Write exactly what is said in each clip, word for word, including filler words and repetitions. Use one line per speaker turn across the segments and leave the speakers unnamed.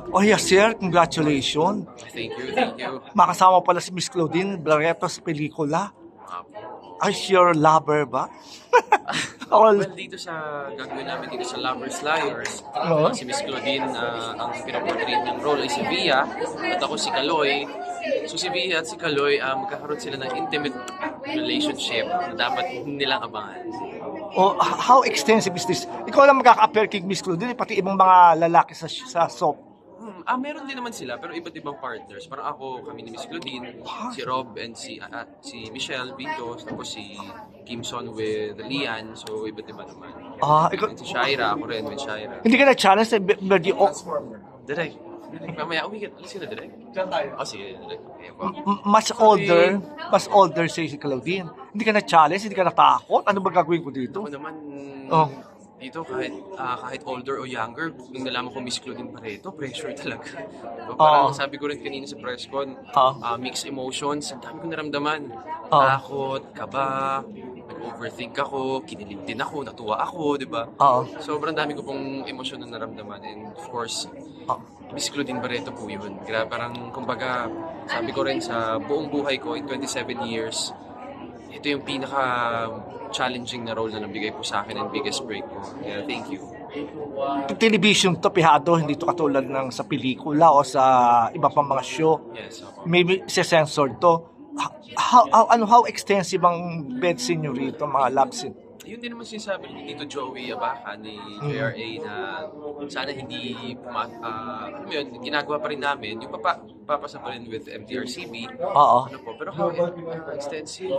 Oh yes, sir. Congratulations.
Thank you, thank you.
Makasama pala si Miss Claudine Barreto sa pelikula.
Uh,
Ay, your lover ba? All,
well, dito sa gagawin namin dito sa Lovers Liars,
Oo.
si Miss Claudine, ah, ang pinaportrait niyang role ay si Via at ako si Kaloy. So si Via at si Kaloy, ah, magkakaroon sila ng intimate relationship na dapat nilang abangan.
oh, how extensive is this? Ikaw lang magkaka-appear kay Miss Claudine, pati ibang mga lalaki sa sa soap.
Hmm, ah, meron din naman sila pero iba't ibang partners. Parang ako, kami ni Miss Claudine, si Rob and si ah, ah, si Michelle Vitos, tapos si Kim Son with Lian, so iba't iba naman.
Ah, ikaw,
And si Shaira, ako rin with Shaira.
hindi ka na-challenge sa Birdy O.
Direk, direk, mamaya uwi ka. Alis ka na, direk? Diyan tayo. Oh, sige, direk. Okay, po.
M- mas older, mas older say si Claudine. Hindi ka na-challenge, hindi ka natakot. Ano ba gagawin ko dito?
Ako naman,
Oh.
dito kahit ah, kahit older o younger, nung nalaman ko Miss Claudine Barreto, pressure talaga. So, parang
Oo.
sabi ko rin kanina sa press con,
Oo.
ah, mixed emotions, ang dami ko naramdaman.
Oo.
Takot, kaba, nag-overthink ako, kinilig din ako, natuwa ako, di ba?
Oo.
Sobrang dami ko pong emosyon na naramdaman and of course,
Oh.
Miss Claudine Barreto po yun. Gra parang, kumbaga, sabi ko rin sa buong buhay ko in twenty-seven years, ito yung pinaka-challenging na role na nabigay po sa akin and biggest break ko. Kaya thank you.
Television to, pihado, hindi to katulad ng sa pelikula o sa iba pang mga show.
Yes, ako.
Maybe censored to. How, how, ano, how extensive ang bed scene nyo rito, mga love scene?
Yun din naman sinasabi ni Tito Joey Abaca ni J R A na sana hindi puma, ah, alam mo yun, ginagawa pa rin namin yung papa, papasa pa rin with M T R C B.
Oo.
Ano po, pero how uh, extensive?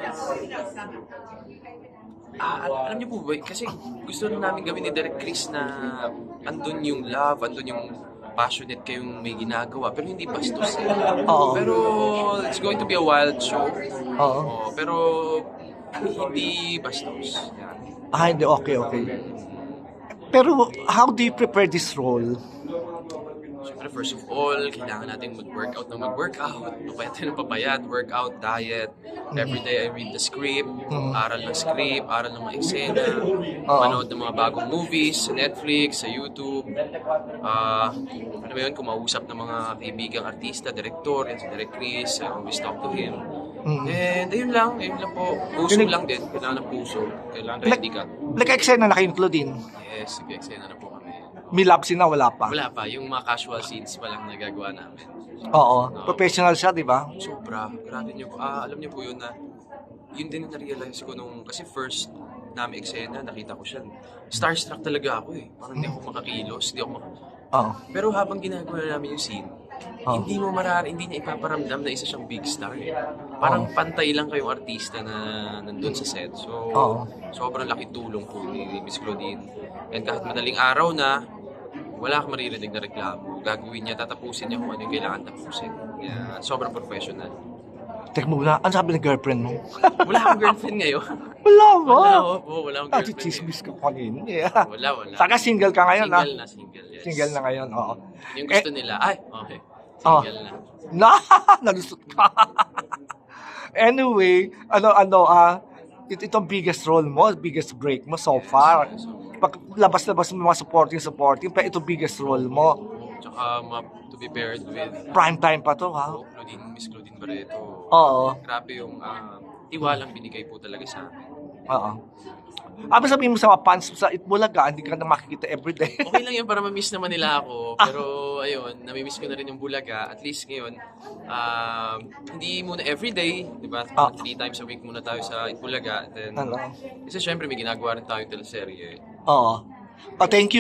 Ah, al- alam niyo po ba, kasi gusto na namin gawin ni Derek Chris na andun yung love, andun yung passionate kayong may ginagawa, pero hindi bastos eh.
Oo.
Pero it's going to be a wild show.
Oo.
Oo, pero hindi bastos. Yan.
Ah, hindi. Okay, okay. Pero how do you prepare this role?
Siyempre, first of all, kailangan natin mag-workout na mag-workout. Papayat tayo ng papayat, workout, diet. Every day I read the script, aral ng script, aral ng mga eksena, manood ng mga bagong movies sa Netflix, sa YouTube. Ah, ano ba yun, kumausap ng mga kaibigang artista, director, yan si Direk Chris, I always talk to him. And ayun lang, ayun lang po. Puso lang din, kailangan ng puso. Kailangan ready ka.
Like eksena na kayo, Claudine.
Yes, sige, eksena na po kami.
May love scene na, wala pa.
Wala pa, yung mga casual scenes pa lang nagagawa namin.
Oo. Professional siya, di ba?
Sobra, grabe niyo po. Ah, alam niyo po yun na, yun din na na-realize ko nung, kasi first namin eksena, nakita ko siya. Starstruck talaga ako eh. Parang hindi ako makakilos, hindi ako mak-
Oo.
Pero habang ginagawa namin yung scene,
Oh.
hindi mo marari, hindi niya ipaparamdam na isa siyang big star eh. Parang pantay lang kayong artista na nandun sa set. So,
Oo.
sobrang laking tulong po ni Miss Claudine. And kahit madaling araw na, wala kang maririnig na reklamo. Gagawin niya, tatapusin niya kung ano yung kailangan tapusin. Kaya sobrang professional.
Teka muna, ano sabi ng girlfriend mo?
Wala akong girlfriend ngayon.
Wala ba?
Wala ako po, wala akong
Ah,
girlfriend
chismis
ngayon.
ka kanina. Yeah.
Wala, wala.
Saka single ka ngayon, ha?
Single na, single, yes.
Single na ngayon, oo.
Yung gusto nila, ay, okay.
Oh.
Single na.
Na, nalusot ka. Anyway, ano, ano, ah, it, itong biggest role mo, biggest break mo so far. Pag labas-labas mo mga supporting, supporting, pero ito biggest role mo.
Tsaka, ma- to be paired with
Prime time pa to, ha?
oh, Claudine, Miss Claudine Barreto.
Oo.
Grabe yung ah, tiwalang binigay po talaga sa amin.
Oo. Abi sabihin mo sa mga fans sa Itbulaga, hindi ka na makikita everyday.
Okay lang yun para ma-miss naman nila ako. Pero ayun, nami-miss ko na rin yung Bulaga. At least ngayon, um, hindi muna everyday, di ba?
Ah.
Three times a week muna tayo sa Itbulaga. Then,
Ano?
kasi syempre may ginagawa rin tayong teleserye.
Oo. Oh, thank you.